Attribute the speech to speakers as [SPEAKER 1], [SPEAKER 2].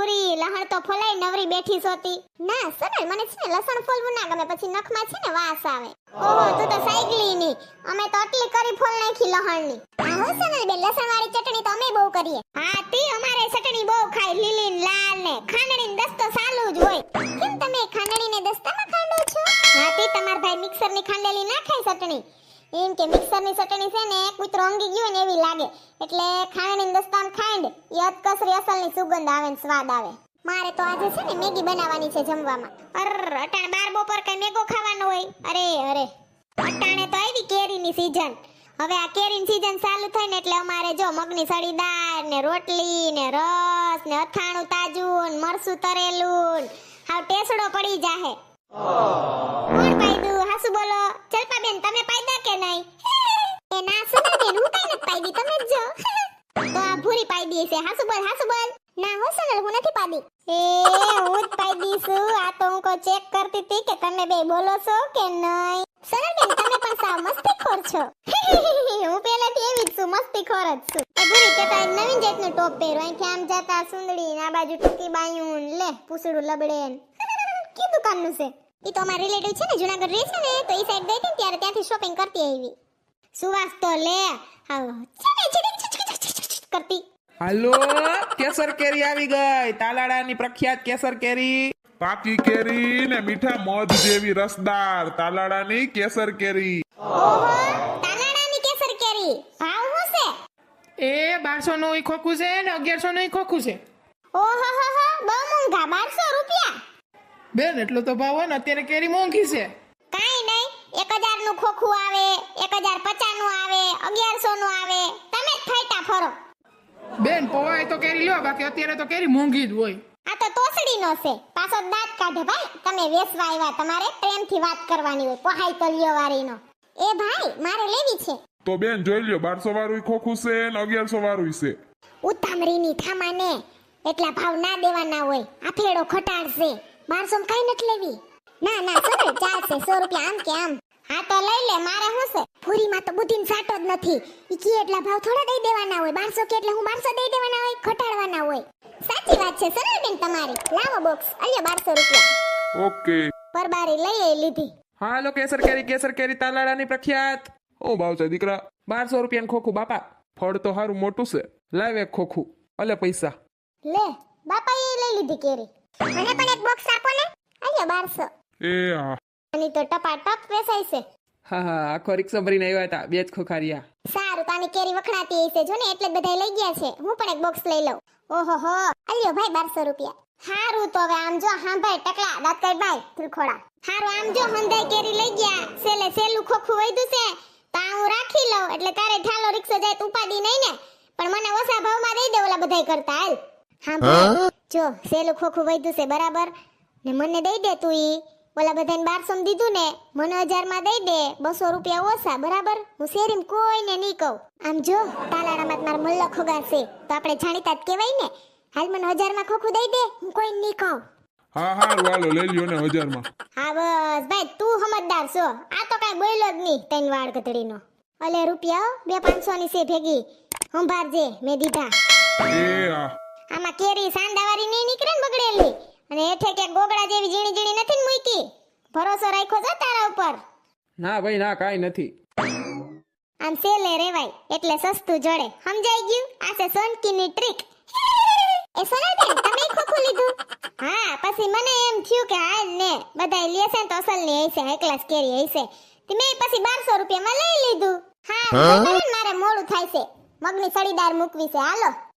[SPEAKER 1] ભૂરી લહણ તો ફોલાઈ નવરી બેઠી સોતી. ના સનલ મને છે ને લસણ ફોલવું ના ગમે, પછી નખમાં છે ને વાસ આવે. ઓહો તું તો સાયકલી ની, અમે તો આટલી કરી ફોલ નાખી લહણની. હા હો સનલ બે લસણ વાળી ચટણી તો અમે બહુ કરીએ. હા તી અમારે ચટણી બહુ ખાય, લીલી ને લાલ ને ખાંડણી ને દસ્તો ચાલુ જ હોય. કેમ તમે ખાંડણી ને દસ્તામાં ખાંડો છો? હા તી તમાર ભાઈ મિક્સર ની ખાંડેલી ના ખાય ચટણી. એમ કે મિક્સર ની ચટણી છે ને કૂતરો ઊંઘી ગયો ને એવી લાગે, એટલે ખાંડણી ને દસ્તામાં ખાંડ એ અતકસરી અસલની સુગંધ આવે ને સ્વાદ આવે. મારે તો આજે છે ને મેગી બનાવવાની છે જમવામાં. અટાણે બાર બપોર કઈ મેગો ખાવાનો હોય? અરે અટાણે તો આવી કેરીની સીઝન. હવે આ કેરીની સીઝન ચાલુ થાય ને એટલે અમારે જો મગની સળીદાર ને રોટલી ને રસ ને અથાણું તાજું ને મરસું તરેલું હાવ ટેસડો પડી જાહે. કોણ પાયદું? હાસુ બોલો. ચલપા બેન તમે પાયદા કે નહીં? એ ના સુના બેન હું કઈ નથી પાયદી, તમે જ જો. તો આ ભૂરી પાયદી છે. હાસુ બોલ હાસુ બોલ. ના હો સનલ હું નથી પાડી. હું જ પાડી છું. આ તો હું કો ચેક કરતી હતી કે તમે બે બોલો છો કે નહીં. સનલ બેન તમે પણ સાવ મસ્તીખોર છો. હું પહેલાથી એવી જ છું, મસ્તીખોર જ છું. એ ભૂરી કે તો નવીન જાતનું ટોપ પહેરો, અહીંથી આમ જતા સુંદડી ને આ બાજુ ટૂંકી બાયું લે પૂસડું લબડે. કી દુકાનનું છે? ઈ તો અમાર રિલેટિવ છે ને જુનાગઢ રહે છે ને, તો ઈ સાઈડ ગઈ હતી ત્યારે ત્યાંથી શોપિંગ કરતી આવી. સુવાસ તો લે આવ કરતી.
[SPEAKER 2] હાલો કેસર કેરી આવી ગઈ, તાલાડાની પ્રખ્યાત કેસર કેરી.
[SPEAKER 3] પાકી કેરી ને મીઠા મધ જેવી રસદાર તાલાડાની કેસર કેરી.
[SPEAKER 1] ઓહો તાલાડાની કેસર કેરી ભાવ શું છે?
[SPEAKER 4] એ 1200 નું ખોખું છે ને 1100 નું ખોખું છે.
[SPEAKER 1] ઓહો હો હો બહુ મોંઘા, 1200 રૂપિયા.
[SPEAKER 4] બેન એટલો તો ભાવ હોય ને, અત્યારે કેરી મોંઘી છે.
[SPEAKER 1] કાઈ નહીં, 1000 નું ખોખું આવે, 1050 નું આવે, 1100 નું આવે, તમે જ ફાયટા ફરો.
[SPEAKER 4] બેન પોવાય તો કેરી લ્યો, બાકી અત્યારે તો કેરી મોંઘી જ હોય.
[SPEAKER 1] આ તો તોસડીનો છે, પાછો દાંત કાઢે ભાઈ. તમે વેસવા આવ્યા, તમારે પ્રેમથી વાત કરવાની હોય, પોહાઈ તો લ્યો વારીનો. એ ભાઈ મારે લેવી છે.
[SPEAKER 3] તો બેન જોઈ લ્યો, 1200 વાળું ખોખું છે ને 1100 વાળું છે.
[SPEAKER 1] ઉતામળીની થામાને એટલા ભાવ ના દેવાના હોય, આ ફેડો ખટાડશે. 1200 કઈ નથી લેવી. ના ના સર ચાલશે, 100 રૂપિયા આમ કે આમ. હા તો લઈ લે, મારે શું છે? પૂરીમાં તો બુદ્ધિનો સાટો જ નથી. ઈ કે એટલા ભાવ થોડા દઈ દેવાના હોય, 1200 કે એટલે હું 1200 દઈ દેવાના હોય, ખટાડવાના હોય. સાચી વાત છે સરળ બેન તમારી. લાવો બોક્સ, અલ્યો 1200 રૂપિયા.
[SPEAKER 3] ઓકે
[SPEAKER 1] પરબારી લઈ લીધી.
[SPEAKER 2] હાલો કેસર કેરી તાલાડાની પ્રખ્યાત.
[SPEAKER 3] ઓ ભાવ છે દીકરા?
[SPEAKER 2] 1200 રૂપિયાનું ખોખું બાપા.
[SPEAKER 3] ફળ તો હારું મોટું છે.
[SPEAKER 2] લાવ એક ખોખું, અલે પૈસા.
[SPEAKER 1] લે બાપાએ લઈ લીધી કેરી. મને પણ એક બોક્સ આપો ને. અલ્યો 1200.
[SPEAKER 3] એ હા
[SPEAKER 1] આની તો ટપાટપ વેચાય છે.
[SPEAKER 2] હા આખો રિક્ષા ભરીને આવ્યા હતા, બે જ ખોખા રહ્યા.
[SPEAKER 1] સારું, તાની કેરી વખણાતી હશે જો ને, એટલે જ બધા લઈ ગયા છે. હું પણ એક બોક્સ લઈ લઉં. ઓહો હો અલ્યો ભાઈ 1200 રૂપિયા. હારું તો હવે આમ જો, હા ભાઈ ટકલા દાંત કાઢ ભાઈ ત્રિખોડા. હારું આમ જો, હંધાઈ કેરી લઈ ગયા, સેલું ખોખું વૈધું છે તો આ હું રાખી લઉં, એટલે તારે ઠાલો રિક્ષા જાય તો ઉપાડી નહીં ને. પણ મને ઓછા ભાવમાં દઈ દે ઓલા બધાય કરતા. હાલ હા ભાઈ જો, સેલું ખોખું વૈધું છે બરાબર ને, મને દઈ દે તું. ઈ ઓલા બધાને 1200 દીધું ને, મને 1000 માં દઈ દે, 200 રૂપિયા ઓછા બરાબર. હું શેરીમ કોઈને નહીં કહું. આમ જો તાલાડામાં મારો મલ્લો ખોગા છે તો આપણે જાણીતા જ કહેવાય ને. હાલ મને 1000 માં ખોખું દઈ દે, હું કોઈને નહીં કહું.
[SPEAKER 3] હા હારું હાલો લઈ લ્યો ને 1000 માં.
[SPEAKER 1] હા બસ ભાઈ તું સમજદાર છો. આ તો કાઈ બોલ્યો જ નહીં તૈન વાળ કતડીનો. અલે રૂપિયા 200-500 ની છે ભેગી, સંભાળજે મેં દીધા.
[SPEAKER 3] એ હા
[SPEAKER 1] આમાં કેરી સાંડાવાળી નહીં નીકળે ને બગડેલી, અને હેઠે કે ગોગડા જેવી ઝીણી નથી ને મૂકી. ભરોસો રાખ્યો છે તારા ઉપર?
[SPEAKER 2] ના ભાઈ ના, કાઈ નથી.
[SPEAKER 1] આમ સેલે રેવાય એટલે સસ્તું જડે, સમજાઈ ગયું? આ છે સોનકીની ટ્રીક. એ સોનાબેન તમે ખોખું લીધું? હા પછી મને એમ થયું કે હાલ ને બધાય લેશે ને તો અસલની હશે, હાઈ ક્લાસ કેરી હશે. તે મેં પછી 1200 રૂપિયામાં લઈ લીધું. હા મારે મોડું થાય છે, મગની સળીદાર મૂકવી છે. હાલો